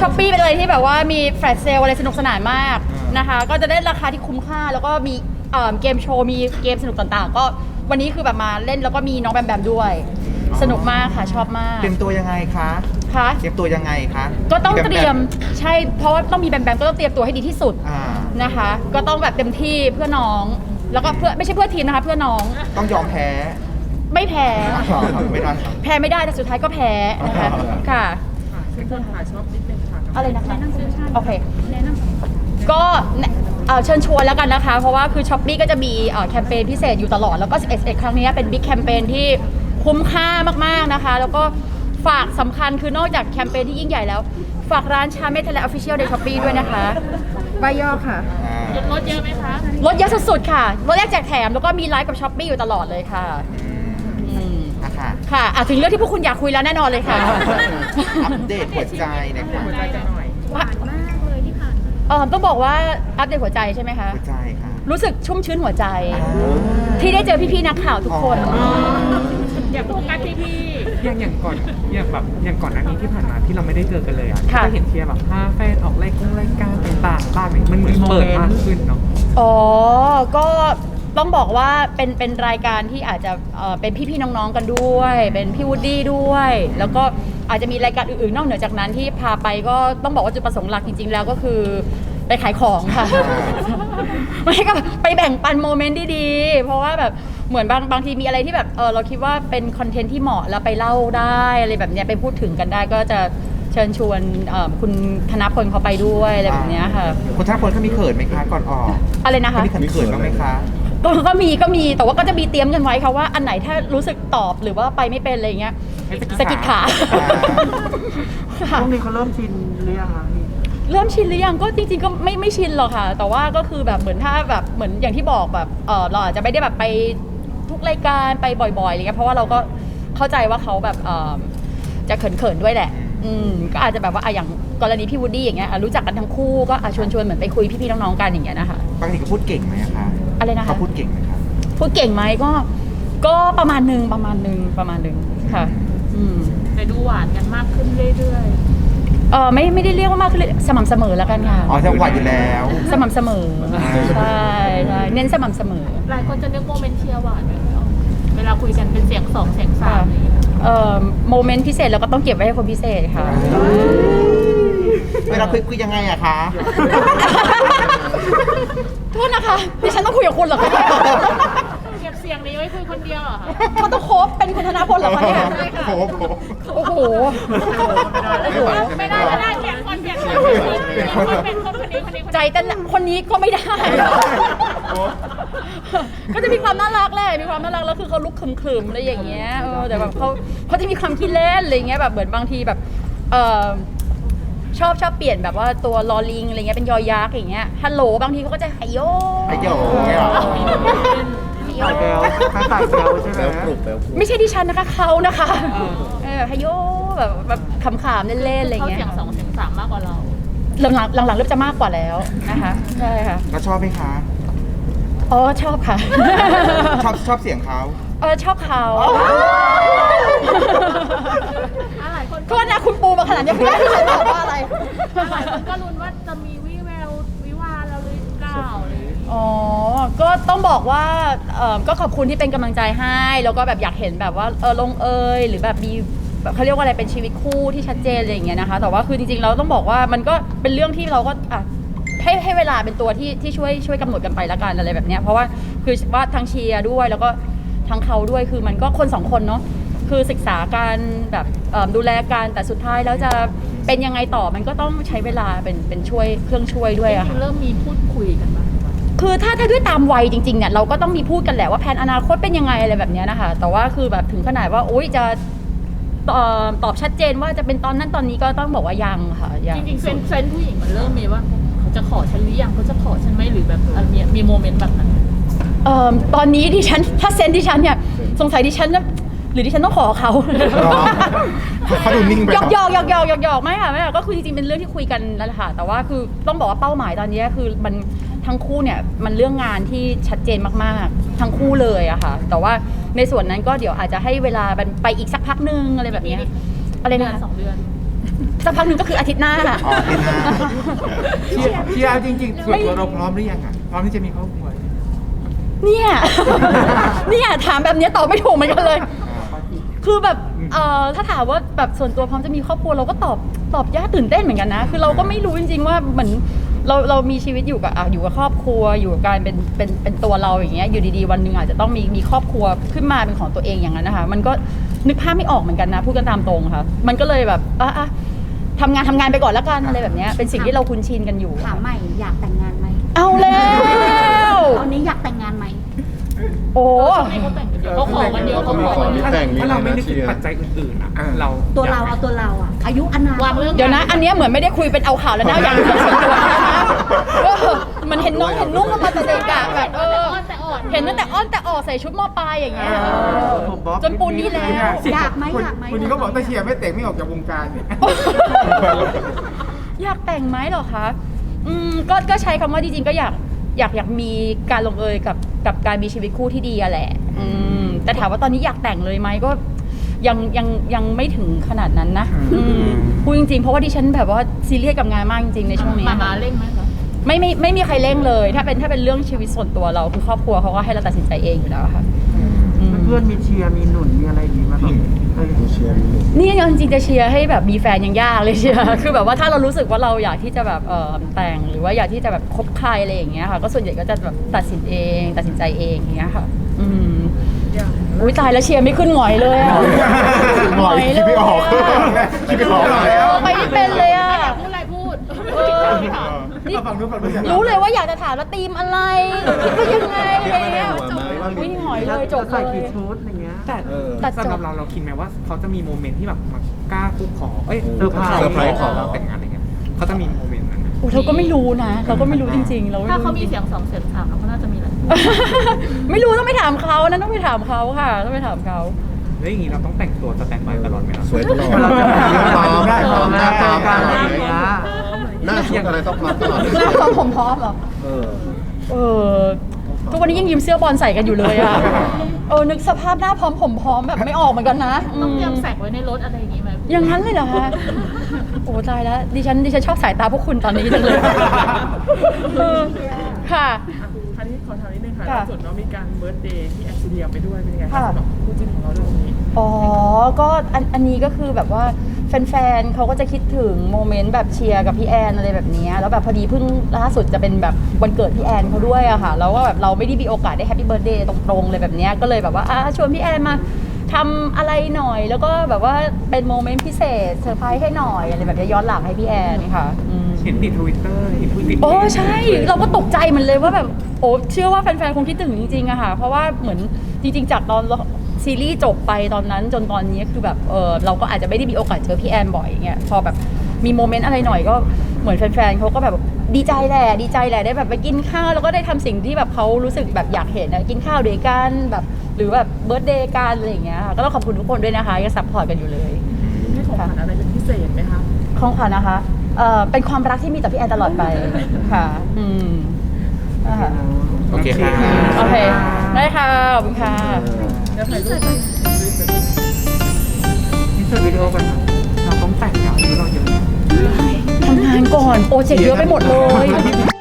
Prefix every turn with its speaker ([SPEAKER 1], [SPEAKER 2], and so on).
[SPEAKER 1] ช้อปปี้เป็นอะไรที่แบบว่ามีแฟลชเซลอะไรสนุกสนานมากนะคะก็จะได้ราคาที่คุ้มค่าแล้วก็มีเกมโชว์มีเกมสนุกต่างๆก็วันนี้คือแบบมาเล่นแล้วก็มีน้องแบมแบมด้วยสนุกมากค่ะชอบมาก
[SPEAKER 2] เตรียมตัวยังไงคะ
[SPEAKER 1] คะ
[SPEAKER 2] เตรียมตัวยังไงคะ
[SPEAKER 1] ก็ต้องเตรียมใช่เพราะว่าต้องมีแบมแบมก็ต้องเตรียมตัวให้ดีที่สุดนะคะก็ต้องแบบเต็มที่เพื่อน้องแล้วก็เพื่อไม่ใช่เพื่อทีมนะคะเพื่อน้อง
[SPEAKER 2] ต้องยอมแพ้
[SPEAKER 1] ไม่แพ้
[SPEAKER 2] ไม่ได้
[SPEAKER 1] แพ้ไม่ได้แต่สุดท้ายก็แพ้นะคะค่ะ
[SPEAKER 3] เป็นคนขายชอบนิดนึงค่ะ
[SPEAKER 1] อะไรนะคะโอเคก็เชิญชวนแล้วกันนะคะเพราะว่าคือช้อปปี้ก็จะมีแคมเปญพิเศษอยู่ตลอดแล้วก็11ครั้งนี้เป็นบิ๊กแคมเปญที่คุ้มค่ามากๆนะคะแล้วก็ฝากสำคัญคือนอกจากแคมเปญที่ยิ่งใหญ่แล้วฝากร้านชาเมทและออฟฟิเชียลในช้อปปี้ด้วยนะคะใบย่อค่ะ
[SPEAKER 3] ลดเยอะไหมคะ
[SPEAKER 1] ลดเยอะสุดๆค่ะลดแรกแจกแถมแล้วก็มีไลฟ์กับช้อปปี้อยู่ตลอดเลยค่ะค่ะถึงเรื่องที่พวกคุณอยากคุยแล้วแน่นอนเลยค่ะ
[SPEAKER 2] อัปเดตหัวใจนะคะ
[SPEAKER 3] หัวใจกันหน่อย
[SPEAKER 4] หวานมากเลยที่ผ่านมา
[SPEAKER 1] ต้องบอกว่าอัปเดตหัวใจใช่ไหมคะ
[SPEAKER 2] หัวใจค่ะ
[SPEAKER 1] รู้สึกชุ่มชื้นหัวใจที่ได้เจอพี่ๆนักข่าวทุกคน
[SPEAKER 3] อยากโฟกัสพี่อย่างก่อนอย่างก่อนหน้านี้ที่ผ่านมาที่เราไม่ได้เจอกันเลยอ่ะก็เห็นเชียร์แบบพาแฟนออกรายการต่างๆบ้างเนี่ยมันเหมือนเปิดมากขึ้นเนาะ
[SPEAKER 1] ก็ต้องบอกว่าเป็นรายการที่อาจจะเป็นพี่ๆน้องๆกันด้วยเป็นพี่วูดดี้ด้วยแล้วก็อาจจะมีรายการอื่นๆนอกเหนือจากนั้นที่พาไปก็ต้องบอกว่าจุดประสงค์หลักจริงๆแล้วก็คือไปขายของค่ะไม่ก็ไปแบ่งปันโมเมนต์ดีๆเพราะว่าแบบเหมือนบางทีมีอะไรที่แบบเราคิดว่าเป็นคอนเทนต์ที่เหมาะแล้วไปเล่าได้อะไรแบบเนี้ยไปพูดถึงกันได้ก็จะเชิญชวนคุณธนพลเขาไปด้วยอะไรแบบเนี้ยค่ะ
[SPEAKER 2] คุณธนพลเขามีเขินไหมคะก่อนออก
[SPEAKER 1] อะไรนะคะ
[SPEAKER 2] มีเขินบ้างไหมคะ
[SPEAKER 1] ก็มีแต่ว่าก็จะมีเตรียมกันไว้ค่ะว่าอันไหนถ้ารู้สึกตอบหรือว่าไปไม่เป็นอะไรเงี้ยสกิดขา
[SPEAKER 3] ช่วงนี้เขาเริ่มชินหรือยังคะ
[SPEAKER 1] เริ่มชินหรือยังก็จริงๆก็ไม่ชินหรอกค่ะแต่ว่าก็คือแบบเหมือนถ้าแบบเหมือนอย่างที่บอกแบบเราอาจจะไม่ได้แบบไปทุกรายการไปบ่อยๆอะไรเงี้ยเพราะว่าเราก็เข้าใจว่าเขาแบบจะเขินๆด้วยแหละก็อาจจะแบบว่าอย่างกรณีพี่วูดดี้อย่างเงี้ยรู้จักกันทั้งคู่ก็ชวนเหมือนไปคุยพี่ๆน้องๆกันอย่างเงี้ยนะคะ
[SPEAKER 2] บางทีก็พูดเก่งไหมคะ
[SPEAKER 1] อะไรนะคะ
[SPEAKER 2] เขาพูดเก่งไหมคะ
[SPEAKER 1] พูดเก่งไหมก็ประมาณนึงค่ะ
[SPEAKER 3] แต่ดูหวานกันมากขึ้นเรื่อย
[SPEAKER 1] ไม่ได้เรียกว่ามากขึ้นเลยสม่ำเสมอแล้วกันค่ะ
[SPEAKER 2] จะหวานอยู่แล้ว
[SPEAKER 1] สม่ำเสมอใช่เน้นสม่ำเสมอ
[SPEAKER 3] หลายคนจะนึกโมเมนต์เชียร์หวานเวลาคุยกันเป็นเสียง2เสียง
[SPEAKER 1] 3โมเมนต์พิเศษเราก็ต้องเก็บไว้ให้คนพิเศษค่ะ
[SPEAKER 2] เวลาคุยยังไงอะคะ
[SPEAKER 1] โทษนะคะดิฉันต้องคุยกับคุณเหรอคะ
[SPEAKER 3] เก็บเสียงนี้ไว้คุยคนเดียวเหรอคะ
[SPEAKER 1] เขาต้องโคบเป็นคุณธนพลเหรอคะเนี่ย
[SPEAKER 2] โ
[SPEAKER 1] อ้โห
[SPEAKER 3] ไม่ได้เปลี่ยนคนเป็นคนนี้
[SPEAKER 1] ใจแต่คนนี้ก็ไม่ได้ก็จะมีความน่ารักแหละมีความน่ารักแล้วคือเขาลุกขึมๆอะไรอย่างเงี้ยแต่แบบเขาจะมีความขี้เล่นอะไรเงี้ยแบบเหมือนบางทีแบบชอบเปลี่ยนแบบว่าตัวลอลิงอะไรเงี้ยเป็นยอยักษ์อย่างเงี้ยฮัลโหลบางทีเขาก็จะไฮโย
[SPEAKER 2] ตายแล้วใช่ไหม
[SPEAKER 1] ไม่ใช่ดิฉันนะคะเขานะคะไฮโยแบบขำๆเล่นๆอะไรเงี้ย
[SPEAKER 3] เขาเสียง2เสียง3มากกว่าเรา
[SPEAKER 1] หลังเริ่มจะมากกว่าแล้วนะคะใช่ค่ะ
[SPEAKER 2] แล้วชอบไหมคะ
[SPEAKER 1] ชอบค่ะ
[SPEAKER 2] ชอบเสียงเขา
[SPEAKER 1] ชอบเขาก็นะคุณปูมาขนาดนี้ไม่ได้ที่ฉันบอกว่าอะไร
[SPEAKER 3] ก็ลุ้นว่าจะมีวิแวววิวาแล้วหรือเปล่า
[SPEAKER 1] ก็ต้องบอกว่าก็ขอบคุณที่เป็นกำลังใจให้แล้วก็แบบอยากเห็นแบบว่าลงหรือแบบมีแบบเขาเรียกว่าอะไรเป็นชีวิตคู่ที่ชัดเจนอะไรอย่างเงี้ยนะคะแต่ว่าคือจริงๆเราต้องบอกว่ามันก็เป็นเรื่องที่เราก็ให้เวลาเป็นตัวที่ช่วยกำหนดกันไปละกันอะไรแบบเนี้ยเพราะว่าคือว่าทั้งเชียร์ด้วยแล้วก็ทั้งเขาด้วยคือมันก็คน2คนเนาะคือศึกษาการแบบดูแลกันแต่สุดท้ายแล้วจะเป็นยังไงต่อมันก็ต้องใช้เวลาเป็นช่วยเครื่องช่วยด้วยอะ
[SPEAKER 3] เริ่มมีพูดคุยกันบ้าง
[SPEAKER 1] คือถ้าด้วยตามวัยจริงๆเนี่ยเราก็ต้องมีพูดกันแหละว่าแผนอนาคตเป็นยังไงอะไรแบบนี้นะคะแต่ว่าคือแบบถึงขนาดว่าโอ๊ยจะตอบชัดเจนว่าจะเป็นตอนนั้นตอนนี้ก็ต้องบอกว่ายังค่ะ
[SPEAKER 3] จริงๆเซนผู้หญิงมันเริ่มมีว่าเขาจะขอฉันหรือยังเขาจะขอฉันไหมหรือแบบมีโมเมนต์แบบนั้น
[SPEAKER 1] ตอนนี้ดิฉันถ้าเซนดิฉันเนี่ยสงสัยดิฉันหรือดิฉันต้องขอเขา
[SPEAKER 2] เขาดูนิ่งไป
[SPEAKER 1] หยอกไม่ค่ะก็คือจริงๆเป็นเรื่องที่คุยกันนั่นแหละค่ะแต่ว่าคือต้องบอกว่าเป้าหมายตอนนี้คือมันทั้งคู่เนี่ยมันเรื่องงานที่ชัดเจนมากๆทั้งคู่เลยอะค่ะแต่ว่าในส่วนนั้นก็เดี๋ยวอาจจะให้เวลาไปอีกสักพักนึงอะไรแบบนี้
[SPEAKER 3] อะไรนะ2 เดือน
[SPEAKER 1] สักพักหนึ่งก็คืออาทิตย์หน้า
[SPEAKER 2] อ๋ออาทิตย์หน้า
[SPEAKER 5] เชียร์เอาจริงๆส่วนตัวเราพร้อมหรือยังอ่ะพร้อมที่จะมีครอบครัว
[SPEAKER 1] เนี่ย เนี่ยถามแบบเนี้ยตอบไม่ถูกเหมือนกันเลย คือแบบถ้าถามว่าแบบส่วนตัวพร้อมจะมีครอบครัวเราก็ตอบยากตื่นเต้นเหมือนกันนะ คือเราก็ไม่รู้จริงๆว่าเหมือนเรามีชีวิตอยู่กับอยู่กับครอบครัวอยู่กับการเป็นตัวเราอย่างเงี้ยอยู่ดีๆวันหนึ่งอาจจะต้องมีครอบครัวขึ้นมาเป็นของตัวเองอย่างนั้นนะคะมันก็นึกภาพไม่ออกเหมือนกันนะพูดกันตามตรงค่ะมันก็เลยแบบทำงานไปก่อนแล้วกันอะไรแบบเนี้ยเป็นสิ่งที่เราคุ้นชินกันอยู่
[SPEAKER 4] ถามใหม่อยากแต่งงานไหม
[SPEAKER 1] เอาแล้ว
[SPEAKER 4] ตอนนี้อยากแต่งงานไหม
[SPEAKER 1] โอ้
[SPEAKER 4] เขาขอกันเดียวเขาขอกันเดียว
[SPEAKER 3] ถ้าเราไม่นึกถึงปัจจัยอื่นๆอ่ะเรา
[SPEAKER 4] ตัวเราเอาตัวเราอะอายุอานาม
[SPEAKER 1] เดี๋ยวนะ อันเนี้ยเหมือนไม่ได้คุยเป็นเอาข่าวแล้วนะอย่างเรื่องส่วนตัวนะมันเห็นน้องเห็นนุ่งกันมาแต่เด็กอะแบบเห็นตั้งแต่อ้อนแต่ออกใส่ชุดมอปลายอย่างเงี้ยจนปูนนี่แล้ว
[SPEAKER 4] อยากไหมอยากไหม
[SPEAKER 5] คนนี้ก็บอกถ้าเชียร์ไม่แต่งไม่ออกจากวงการ
[SPEAKER 1] อยากแต่งไหมเหรอคะก็ใช้คำว่าจริงๆก็อยากมีการลงเอยกับการมีชีวิตคู่ที่ดีอะแหละแต่ถามว่าตอนนี้อยากแต่งเลยไหมก็ยังไม่ถึงขนาดนั้นนะพูดจริงๆเพราะว่าดิฉันแบบว่าซีเรียสกับงานมากจริงๆในช่วงนี้
[SPEAKER 4] มาเร่งไหมคะ
[SPEAKER 1] ไม่มีใครเร่งเลยถ้าเป็นเรื่องชีวิตส่วนตัวเราคือครอบครัวเขาก็ให้เราตัดสินใจเองอยู่แล้วค่ะ
[SPEAKER 6] เพื่อนมีเชียร์มีหนุนมีอะไรอย่างงี้มาแบบ
[SPEAKER 1] นี่ยังจริงๆจะเชียร์ให้แบบมีแฟนยังยากเลยเชียร์ คือแบบว่าถ้าเรารู้สึกว่าเราอยากที่จะแบบแต่งหรือว่าอยากที่จะแบบคบใครอะไรอย่างเงี้ยค่ะก็ส่วนใหญ่ก็จะแบบตัดสินใจเองอย่างเงี้ยค่ะอุ้ยตายแล้วเชียร์ไม่ขึ้นหงอยเลยอะ
[SPEAKER 2] หงอยคิดไม่ออกคิดไม่ออกแล้ว
[SPEAKER 1] ไปไม่เป็นเลยอะ
[SPEAKER 4] พูดอะไรพูด
[SPEAKER 1] นี่
[SPEAKER 5] ฟังนู้นฟังนู้น
[SPEAKER 1] รู้เลยว่าอยากจะถามว่าธีมอะไรคิดว่ายังไงอะไรเงี้ยวิ่งหงอยเลยจบเล
[SPEAKER 6] ใส่
[SPEAKER 1] ย
[SPEAKER 6] กี่ชุดอย่างเงี้ย
[SPEAKER 3] แต่
[SPEAKER 1] ตัดจบ
[SPEAKER 3] สำหรับเราคิดไหมว่าเขาจะมีโมเมนต์ที่แบบมากล้าคุกขอเซ
[SPEAKER 5] เซอร์ไพรส์
[SPEAKER 3] ขอเราแต่งงานอะไรเงี้ยเขาจะมีโมเมนต์นั้นไหม
[SPEAKER 1] โอ้เราก็ไม่รู้นะ เราก็ไม่รู้จริงๆเรา
[SPEAKER 4] ถ้าเขามีเสียง2 เสียง 3เขาน่าจะมีแหละ
[SPEAKER 1] ไม่รู้ต้องไปถามเขานะต้องไปถามเขาค่ะต้องไปถามเขา
[SPEAKER 3] แล้วอย่างนี้เราต้องแต่งตัวสแตนด์บายตลอดไหมครับ
[SPEAKER 2] สวยตลอด
[SPEAKER 6] เราจะพร้อม
[SPEAKER 2] ได้พร้อม
[SPEAKER 6] เจอกันอะไรอย่างเงี้ย
[SPEAKER 2] หน้าชุดอะไรต้องพร้อมตลอด
[SPEAKER 1] หน้าพร้อมผมพร้อมเหรอทุกวันนี้ยังยืมเสื้อบอลใส่กันอยู่เลยอ่ะนึกสภาพหน้าพร้อมผมพร้อมแบบไม่ออกเหมือนกันนะ
[SPEAKER 4] ต้องเตรียมแสกไว้ในรถอะไรอย่างงี้ไหม
[SPEAKER 1] อย่างนั้นเลยเหรอคะโอ้ตายแล้วดิฉันชอบสายตาพวกคุณตอนนี้จังเลยค่ะ
[SPEAKER 7] อันนี้ขอถามนิดนึงค่ะ
[SPEAKER 1] ค่ะ
[SPEAKER 7] ล่าสุดเรามีการเบิร์ธเดย์ที่แอคซิเดียไปด้วยเป็นยังไง
[SPEAKER 1] ค่ะ
[SPEAKER 7] คะสำหรับคู่จิ้นของเราเรื่องนี้
[SPEAKER 1] ก็อันนี้ก็คือแบบว่าแฟนๆเขาก็จะคิดถึงโมเมนต์แบบเชียร์กับพี่แอนอะไรแบบนี้แล้วแบบพอดีเพิ่งล่าสุดจะเป็นแบบวันเกิดพี่แอนเขาด้วยอะค่ะแล้วก็แบบเราไม่ได้มีโอกาสได้แฮปปี้เบิร์ธเดย์ตรงๆเลยแบบนี้ก็เลยแบบว่าชวนพี่แอนมาทำอะไรหน่อยแล้วก็แบบว่าเป็นโมเมนต์พิเศษเซอร์ไพรส์ให้หน่อยอะไรแบบนี้ย้อนหลังให้พี่แอนค่ะ
[SPEAKER 3] เห็นติดทวิตเตอร์เห็นผู้ติด
[SPEAKER 1] โอ้ใช่เราก็ตกใจเหมือนเลยว่าแบบเชื่อว่าแฟนๆคงคิดถึงจริงๆอะค่ะเพราะว่าเหมือนจริงๆจากตอนซีรีส์จบไปตอนนั้นจนตอนนี้คือแบบเราก็อาจจะไม่ได้มีโอกาสเจอพี่แอนบ่อยอย่างเงี้ยพอแบบมีโมเมนต์อะไรหน่อยก็เหมือนแฟนๆเขาก็แบบดีใจแหละได้แบบไปกินข้าวแล้วก็ได้ทำสิ่งที่แบบเขารู้สึกแบบอยากเห็นนะกินข้าวด้วยกันแบบหรือแบบเบิร์ธเดย์กันอะไรอย่างเงี้ยค่ะก็ต้องขอบคุณทุกคนด้วยนะคะยังซัพพอร์ตกันอยู่เลย
[SPEAKER 7] ให้ของขวัญอะไรเป็นพิเศษไหมคะ
[SPEAKER 1] ของขวัญนะคะเป็นความรักที่มีต่อพี่แอนตลอดไปค่ะนะคะ
[SPEAKER 2] โอเคค่ะ
[SPEAKER 1] โอเคได้ค่ะขอบคุณค่ะ
[SPEAKER 6] นี่เสิร์ฟวิดีโอกันค่ะ
[SPEAKER 3] เราต้องแต่งงานหรือเราเยอะ
[SPEAKER 1] ทำงานก่อนโปรเจกต์เยอะไปหมดเลย